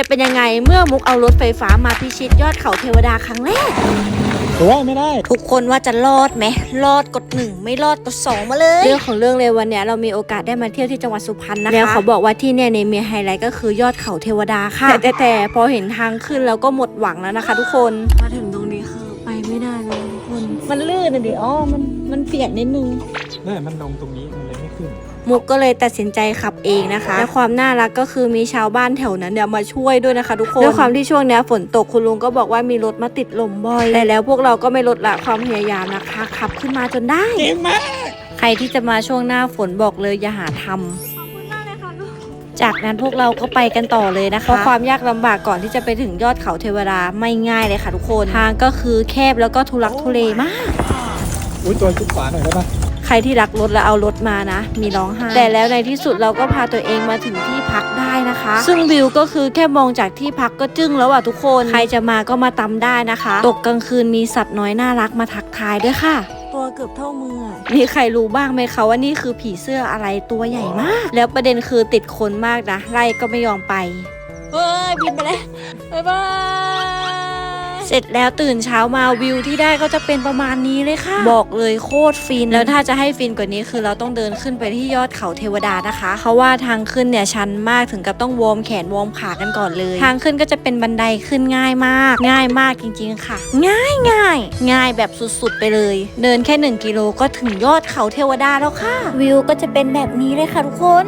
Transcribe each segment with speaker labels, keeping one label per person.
Speaker 1: จะเป็นยังไงเมื่อมุกเอารถไฟฟ้ามาพิชิตยอดเขาเทวดาครั้งแรก
Speaker 2: ไม่ได้
Speaker 1: ทุกคนว่าจะรอดไหมรอดกด1ไม่รอดกด2มาเลยเรื่องของเรื่องเลยวันนี้เรามีโอกาสได้มาเที่ยวที่จังหวัดสุพรรณนะคะแล้วเขาบอกว่าที่เนี่ยมีไฮไลท์ก็คือยอดเขาเทวดาค่ะแต่พอเห็นทางขึ้นแล้วก็หมดหวังแล้วนะคะทุกคนมาถึงตรงนี้คือไปไม่ได้เลยทุกคนมันลื่นนะดิมันเปียกนิดนึง
Speaker 2: นี่มันลงตรงนี้มันเลยไม่ขึ้น
Speaker 1: มุกก็เลยตัดสินใจขับเองนะคะและความน่ารักก็คือมีชาวบ้านแถวนั้นมาช่วยด้วยนะคะทุกคนด้วยความที่ช่วงนี้ฝนตกคุณลุงก็บอกว่ามีรถมาติดลมบ่อยแต่แล้วพวกเราก็ไม่ลดละความพยายามนะคะขับขึ้นมาจนได้
Speaker 2: เก่งมาก
Speaker 1: ใครที่จะมาช่วงหน้าฝนบอกเลยอย่าหาทำจากนั้นพวกเราก็ไปกันต่อเลยนะคะเพราะความยากลำบากก่อนที่จะไปถึงยอดเขาเทวดาไม่ง่ายเลยค่ะทุกคนทางก็คือแคบแล้วก็ทุลักทุเลมาก
Speaker 2: ตัวชิดขวาหน่อยได้ปะ
Speaker 1: ใครที่รักรถแล้วเอารถมานะมีร้องไห้แต่แล้วในที่สุดเราก็พาตัวเองมาถึงที่พักได้นะคะซึ่งวิวก็คือแค่มองจากที่พักก็จึ้งแล้วอ่ะทุกคนใครจะมาก็มาตำได้นะคะตกกลางคืนมีสัตว์น้อยน่ารักมาทักทายด้วยค่ะตัวเกือบเท่ามือมีใครรู้บ้างไหมคะว่านี่คือผีเสื้ออะไรตัวใหญ่มากแล้วประเด็นคือติดคนมากนะไล่ก็ไม่ยอมไปเฮ้ยบินไปเลยบ๊ายบายเสร็จแล้วตื่นเช้ามาวิวที่ได้ก็จะเป็นประมาณนี้เลยค่ะบอกเลยโคตรฟินแล้วถ้าจะให้ฟินกว่านี้คือเราต้องเดินขึ้นไปที่ยอดเขาเทวดานะคะเพราะว่าทางขึ้นเนี่ยชันมากถึงกับต้องวอร์มแขนวอร์มขากันก่อนเลยทางขึ้นก็จะเป็นบันไดขึ้นง่ายมากจริงๆค่ะง่ายแบบสุดๆไปเลยเดินแค่1 กิโลก็ถึงยอดเขาเทวดาแล้วค่ะวิวก็จะเป็นแบบนี้เลยค่ะทุกคน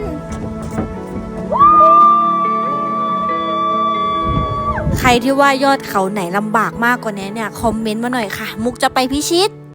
Speaker 1: ใครที่ว่ายอดเขาไหนลำบากมากกว่านี้เนี่ยคอมเมนต์มาหน่อยค่ะมุกจะไปพิชิต